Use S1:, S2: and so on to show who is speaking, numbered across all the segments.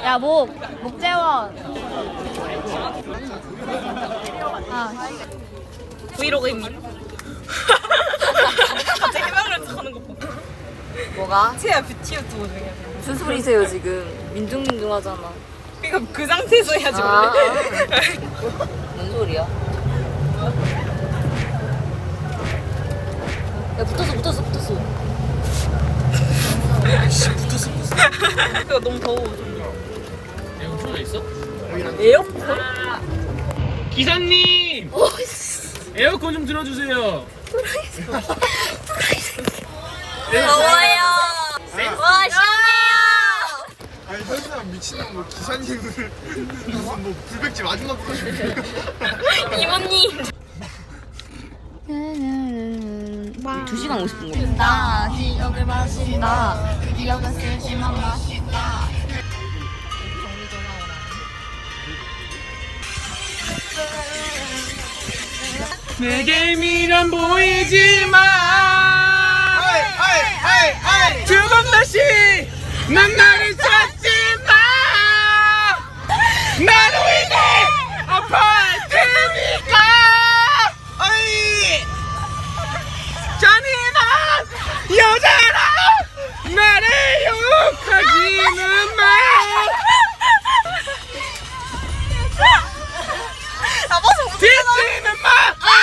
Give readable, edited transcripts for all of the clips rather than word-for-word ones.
S1: 야, 목재원.
S2: 브이로그입니다. 갑자기 해명을 하는 거 봐.
S1: 뭐가?
S2: 채야 뷰티 유튜브 중에.
S1: 무슨 소리세요 지금? 민둥민둥하잖아.
S2: 그러니까 그 상태에서 해야지
S1: 아.
S2: 원래.
S1: 뭔 소리야? 야, 붙었어.
S3: 아이씨 붙었어.
S2: 그거 너무 더워.
S3: 에어컨 틀어져 있어?
S2: 에어컨?
S3: 기사님! 에어컨 좀 틀어주세요.
S2: 더워요.
S1: 와, 시원해요.
S4: 아니 현수랑 미친놈 뭐 기사님을 무슨 뭐 불백지 마지막 거
S2: 이모님.
S1: 2시간 50분 나 기억을 마신다. 그 기억을 쓰지만 마신다.
S3: 내게 미련 보이지만 두 번 다시 난 나를 찾지 마. 나로 인해 아파할 테니까. 잔인한 여자라 나를 욕하지는 마. 뒤지는 마.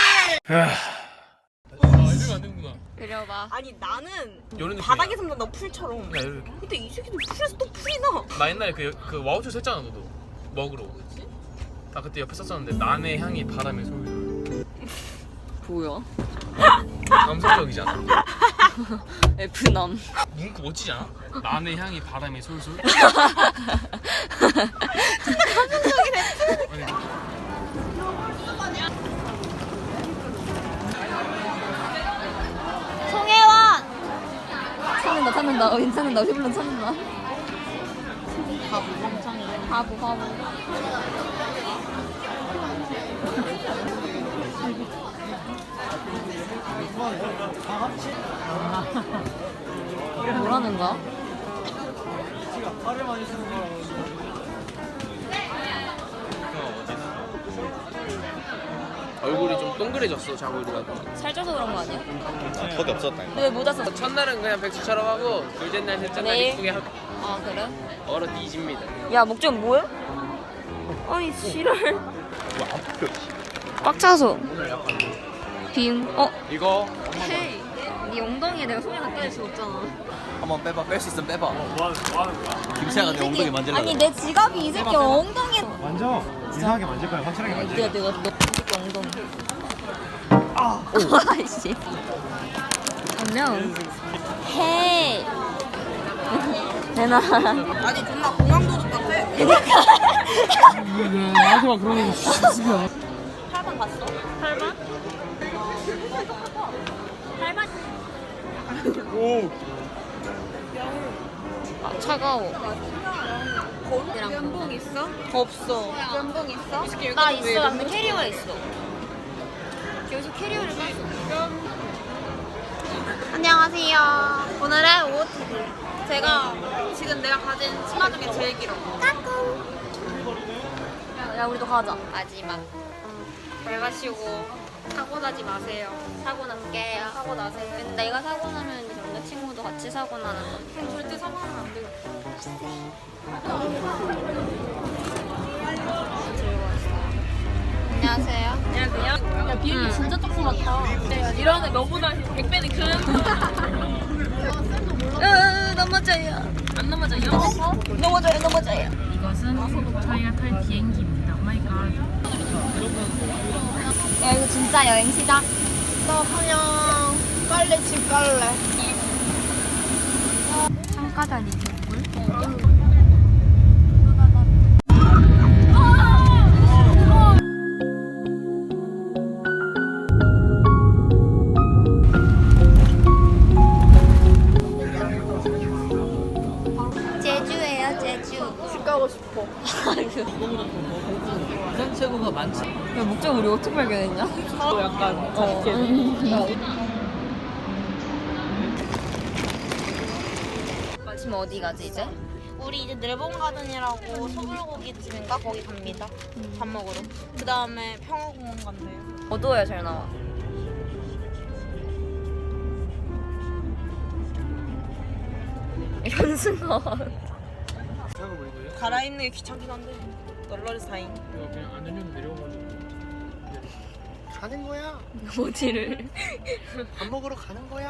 S3: 이러면 안 되는구나.
S1: 그려봐.
S2: 아니 나는
S3: 요런 느낌이야.
S2: 바닥에서 나 풀처럼.
S3: 야, 이렇게.
S2: 근데 이 새끼들 풀에서 또 풀이 나.
S3: 나 옛날에 그 와우초 샀잖아 너도 먹으러. 나 그때 옆에 썼었는데 난의 향이 바람에 솔솔.
S1: 뭐야?
S3: 감성적이잖아.
S1: F남.
S3: 문구 멋지지 않아? 난의 향이 바람에 솔솔. 감성적이네.
S1: 송혜원! 찾는다. 괜찮은다. 휘블런 찾는다. 바보. 뭐라는 거야?
S3: 얼굴이 좀 동그래졌어 자고 일어나고.
S1: 살쪄서 그런 거 아니야?
S4: 턱이 없었다
S1: 왜 모자 썼어?
S3: 첫날은 그냥 백수처럼 하고 둘째 날 셋째 날
S1: 내일?
S3: 이쁘게 하고
S1: 아, 그래?
S3: 얼어 뒤집니다.
S1: 야, 목좀 뭐야? 아니, 지랄. 꽉 차서. 빔.
S3: 이거
S1: 헤이. 네 엉덩이에 내가 손을 갖다 댈 수 없잖아.
S5: 한번 빼봐. 뺄 수 있으면 빼봐. 김채아가 내 엉덩이 만질라.
S1: 아니, 내 지갑이 이 새끼 엉덩이에.
S4: 만져 이상하게 만질 거야 확실하게 만질 거야
S1: 내가 너 새끼 엉덩이. 아이씨. 안녕. 헤이. 되나?
S2: 아니 존나 공항도둑 같아.
S3: 나한테만 그런 거 진짜.
S2: 8번 봤어? 8번?
S4: 오
S1: 아, 차가워.
S2: 연봉 있어? 없어. 연봉 있어?
S1: 나 있어. 근데 캐리어에 있어. 여기서 캐리어를 깠어.
S2: 안녕하세요. 오늘의 OOTD. 제가 지금 내가 가진 치마 중에 제일 길어.
S1: 야, 우리도 가자.
S2: 마지막. 잘 가시고 사고 나지 마세요. 사고 날게요.
S1: 사고 나세요. 근데 내가 사고 나면 남자친구도 같이 사고 나는 거.
S2: 그럼 절대 사고 나면 안 되겠다.
S1: 안녕하세요.
S2: 안녕하세요.
S1: 야, 비행기 진짜 조그맣다.
S2: 이러는데 너보다 100배는 큰.
S1: 넘어져요.
S2: 안 넘어져요?
S1: 넘어져요.
S6: 이것은 저희가 탈 비행기입니다. 오마이갓.
S1: 야, 이거 진짜 여행시다.
S2: 나 그냥 깔래 집 깔래.
S1: 창가다니 개꿀. 제주예요, 제주.
S2: 집 가고 싶어.
S5: 부산 최고가 많지.
S1: 야, 목적 우리 어떻게 발견했냐?
S2: 약간
S1: 지금 어디 가지 이제?
S2: 우리 이제 내봉가든이라고 소불고기집인가 거기 갑니다. 밥 먹으러. 그 다음에 평화공원 간대요.
S1: 어두워야 잘 나와. 현승아.
S3: 차가 왜 이거야?
S2: 갈아입는 게 귀찮긴 한데 널널이 사인.
S3: 이거 그냥 안전요금 내려오가지고.
S4: 가는 거야.
S1: 어디를?
S4: 밥 먹으러 가는 거야.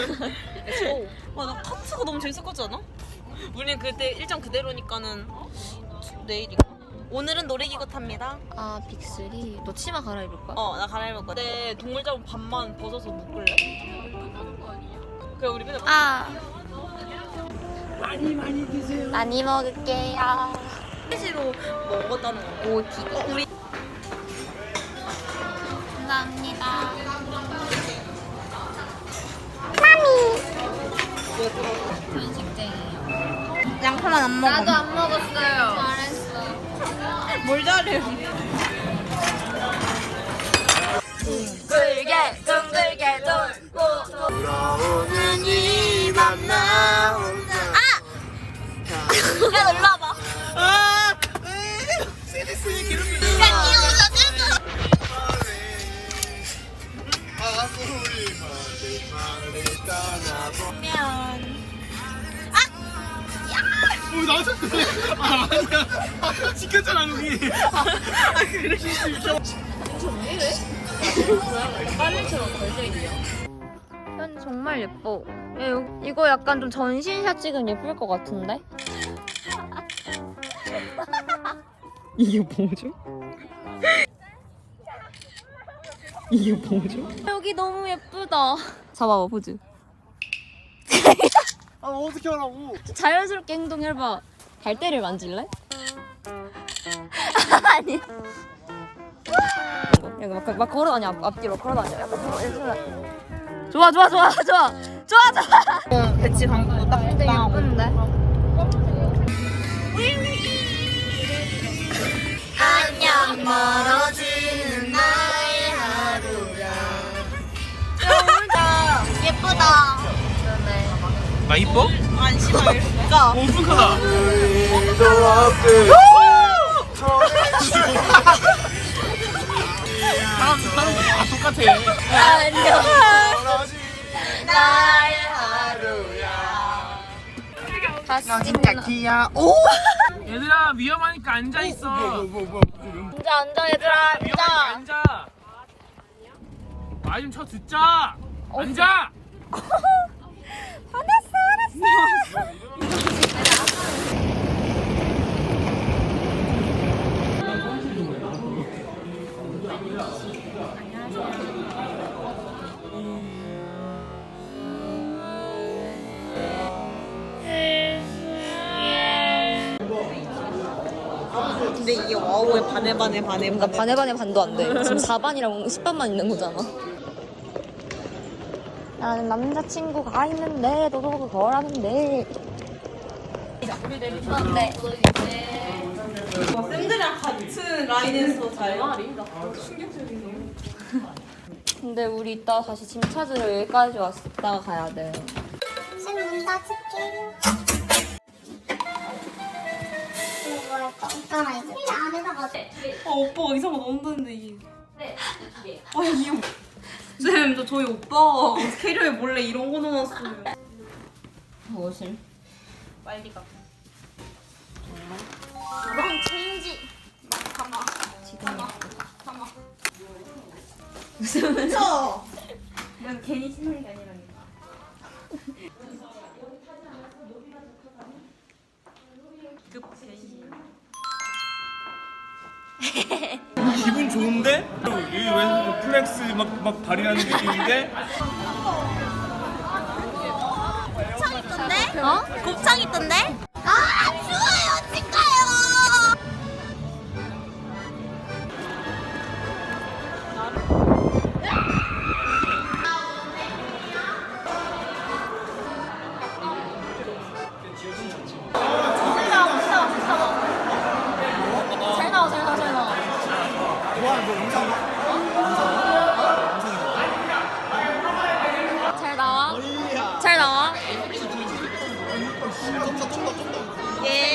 S2: 나 카트가 너무 재밌었지 않아? 우리는 그때 일정 그대로니까는 내일인가? 오늘은 놀이기구 탑니다.
S1: 아 빅3. 너 치마 갈아입을 거야?
S2: 나 갈아입을 거야. 근데 동물자국 반만 벗어서 묶을래? 그래 우리 맨날
S4: 많이 드세요.
S1: 많이 먹을게요.
S2: 시로 먹었다는 거.
S1: 오티.
S2: 우리
S1: 감사합니다. 편식쟁이요.
S2: 양파만 안 먹어.
S1: 나도 안 먹었어요. 잘했어.
S2: 뭘 잘해?
S1: 둥글게 돌고
S4: 돌아오는 이 맘 나 혼자.
S2: 야, 놀러 와봐.
S4: 세리스니 괴롭히는
S2: 야, 이거 보면.
S4: 나한테 그래. 아니야. 시켰잖아 우리. 그래.
S1: 빨래처럼 걸려있냐? 현 정말 예뻐. 야, 이거 약간 좀 전신샷 찍으면 예쁠 것 같은데? 이게 뭐죠? 이게 뭐죠? 여기 너무 예쁘다. 잡아봐 포즈.
S4: 아 어떻게 하라고?
S1: 자연스럽게 행동해봐. 갈대를 만질래? 아니. 여기 막 걸어다녀 앞뒤로 걸어다녀. 좋아.
S2: 배치 광고 딱
S1: 근데 예쁜데?
S2: 안녕 멀어지는 나의 하루야. 예쁘다.
S3: 나 이뻐?
S2: 안 심하니까.
S3: 오픈카다. 아 똑같아.
S1: 안녕
S2: 나의 하루야.
S1: 다시
S4: 야. 오.
S3: 얘들아 위험하니까 앉아 있어.
S1: 앉아 얘들아 앉아.
S3: 앉아. 말 좀 쳐 듣자. 앉아.
S1: 화났어.
S2: 근데 이게 와우에 반에
S1: 그러니까 반에 반도 안 돼. 지금 4반이랑 10반만 있는 거잖아. 나는 남자친구가 있는데 너도 그거라는데. 네.
S2: 쌤들이랑 같은 라인에서 잘
S1: 근데 우리 이따 다시 짐 찾으러 여기까지 왔다가 가야 돼.
S7: 문 닫을게요. 이거 할까? 있잖아, 이제. 안에다가.
S2: 오빠가 이상한 거 넣는다는데 이게. 아 이거. 쌤, 저희 오빠 캐리어에 몰래 이런 거 넣어놨어요.
S1: 무엇을?
S2: 빨리 가.
S1: 그럼 체인지.
S2: 그쵸? 그냥 괜히 신는 게 아니라니까.
S8: 기분 좋은데? 여기 왜 플렉스 막 발휘하는 느낌인데?
S2: 곱창 있던데?
S1: 어?
S2: 곱창 있던데?
S7: 아, 추워요, 찍어요!
S1: 잘 나와.
S4: 와, 너 영상
S1: 잘 나와.
S4: 좀더
S2: 예.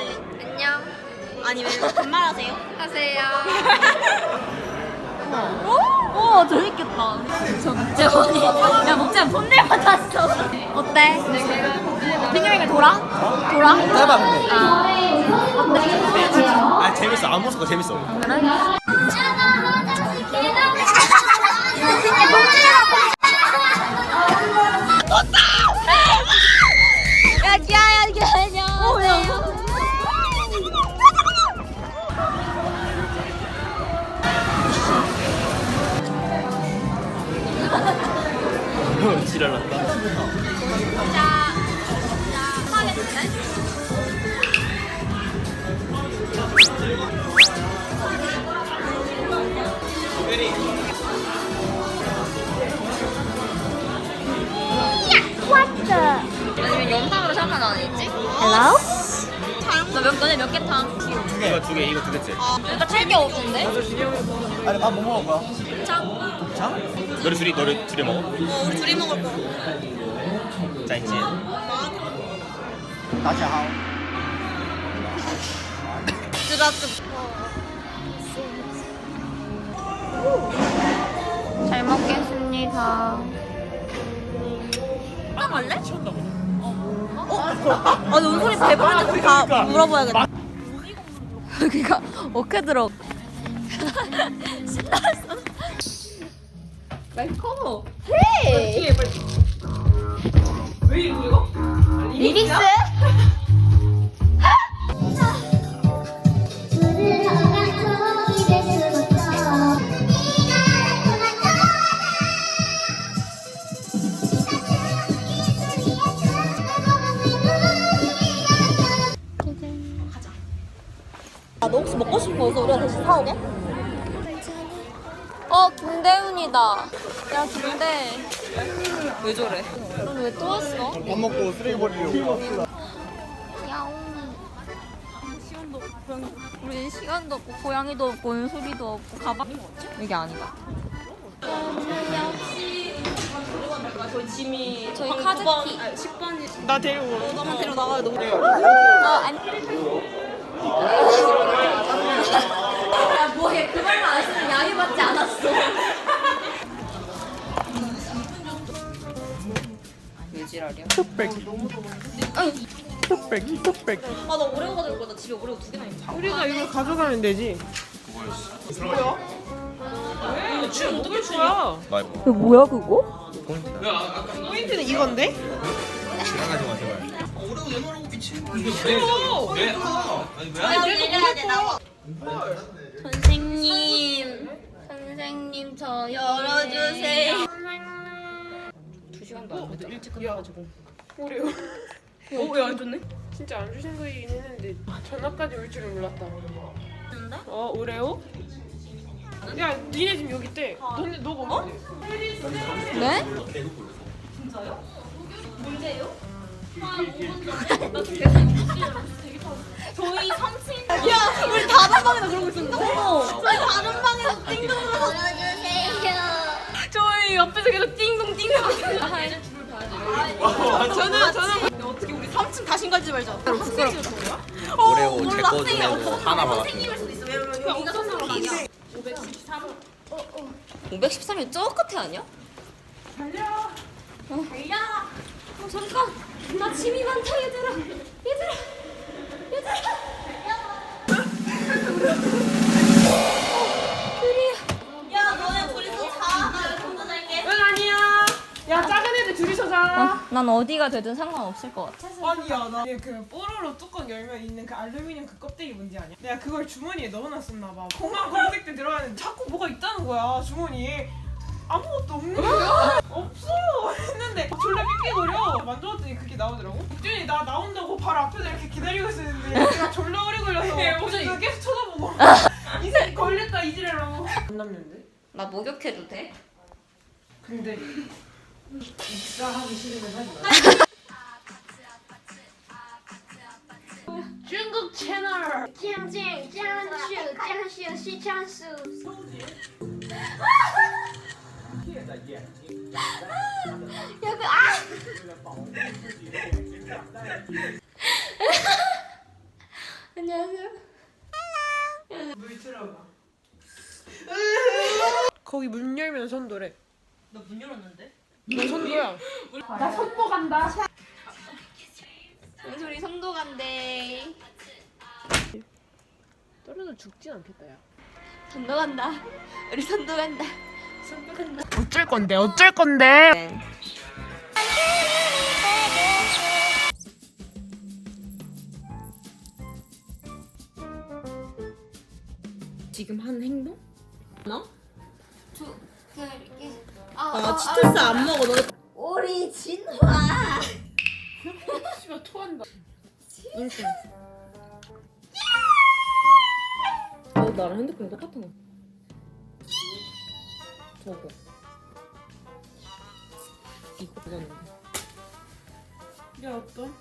S1: 안녕.
S2: 아니 왜 반말하세요?
S1: 하세요. 오, 재밌겠다. 저 목재원이. 야, 목재원 폰넬 받았어. 어때? 민영이가 돌아? 돌아?
S5: 짧아 근데.
S1: 아,
S5: 아 재밌어. 안 무서워 재밌어.
S1: 그래? 야, 기아야, 이게 아니야.
S5: 지랄났다.
S1: 아니면 영상으로 잠깐 안 했지? Hello? 너네 몇 개 타?
S5: 이거 두 개, 이거 두 개째.
S1: 일단 7개 없는데?
S5: 아니 밥 뭐 먹을 거야? 곱창? 너희 둘이 먹어?
S2: 우리 둘이 먹을 거.
S5: 짜이지. 다시 하오.
S1: 잘 먹겠습니다.
S2: 딱 갈래? 아니 은솔이 배부른지 다 물어봐야겠다.
S1: 여기가 어떻게 들어? 신났어. 웰컴. 헤이. 왜 이거? 리리스?
S2: 아, 너 혹시 먹고 싶은 거 있어? 우리가 대신 사오게?
S1: 김대훈이다. 야, 김대.
S2: 왜 저래?
S1: 넌 왜 또 왔어?
S4: 밥 먹고 쓰레기 버리려고.
S1: 야옹. 시간도 없고 고양이. 우리 시간도 없고 고양이도 없고 은솔이도 없고 가방. 이게 아니다.
S2: 저희 짐이
S1: 저희 카드키.
S2: 10번이
S4: 나 데리고.
S2: 너만 데려 나가야 너무
S1: 야, 뭐해. 그 말만 안 했으면 양해받지 않았어. 왜 지랄이야?
S2: 아, 나 오레오 가져올 거야. 나 집에 오레오 2개나 있어.
S9: 우리가 이걸 가져가면 되지. 뭐야? 왜? 지금 어떻게 거야?
S1: 뭐야, 그거?
S9: 포인트는 이건데?
S5: 지나가지 마 제발.
S1: 선생님 저 열어주세요.
S2: 2시간도 안 됐다. 일찍 끝나가지고.
S9: 오래요.
S2: 왜안 줬네?
S9: 진짜 안 주신 거긴 했는데 전화까지 올 줄은 몰랐다. 오레오? 야, 니네 지금 여기 있대. 너네 너가 없는데.
S1: 네?
S2: 저희 3층. 야, 우리 다른 방에서 그러고 있었는데. 저희 다른 방에서 띵동
S7: 열어주세요.
S2: 저희 옆에서 계속 띵동 띵동. 저는 어떻게 우리 3층 다시 가지 말자. 부끄럽다.
S5: 오레오 제거 중에 뭐 하나 받았어.
S2: 생님일 수도 있어. 왜냐면 여기가 선생님 아니야.
S1: 513이 저 끝에 아니야?
S2: 달려.
S1: 잠깐. 나 짐이 많다, 얘들아.
S2: 야, 너네 둘이서 자. 나 여기 혼자 잘게.
S9: 응 아니야. 야, 작은 애들 둘이서 자.
S1: 난 어디가 되든 상관없을 것 같아.
S9: 아니야, 나 그 뽀로로 뚜껑 열면 있는 그 알루미늄 그 껍데기 뭔지 아냐? 내가 그걸 주머니에 넣어놨었나 봐. 공항 검색 때 들어가는데 자꾸 뭐가 있다는 거야 주머니에. 아무것도 없는 거야. 없어 했는데 졸라 삐삐거려. 만져봤더니 그게 나오더라고. 국준이 나 나온다고 바로 앞에서 이렇게 기다리고 있었는데 내가 졸라 오래 걸려서 그래서 계속 쳐다보고 이 새끼 걸렸다 이지랄라고. 안 남는데?
S1: 나 목욕해도 돼?
S9: 근데 입사하기 싫으면 하지 마. 중국 채널
S7: 江静、江秀、江秀、西江苏。
S1: 야, 안녕하세요.
S9: 물 틀어봐. 거기 문 열면 선도래.
S2: 나 문 열었는데?
S9: 너 선도야.
S1: 은솔이 선도 간대.
S9: 떨어져 죽진 않겠다 야.
S1: 선도 간다. 우리 선도 간다. 선도 간다.
S9: 어쩔 건데 어쩔 건데. 지금 한 행동?
S2: 아 치토스 안 먹어. 너
S1: 우리 진화.
S9: 씨발 토한다.
S2: 인생. 나랑 핸드폰 똑같은 거. 저거. 이거 그거는데.
S9: 야 어떤?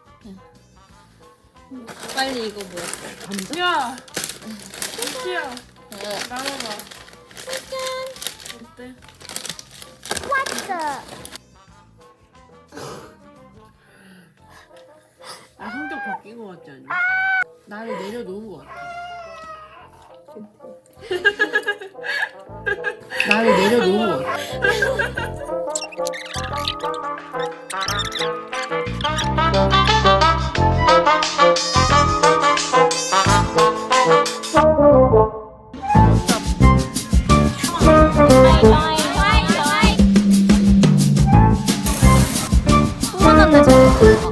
S2: 빨리 이거 뭐야?
S9: 야. 야. 나눠봐. 어때? 나 성격 바뀐 거 같지 않냐? 나를 내려놓은 거 같아. 나를 내려놓은 거 같아.
S1: 소원한테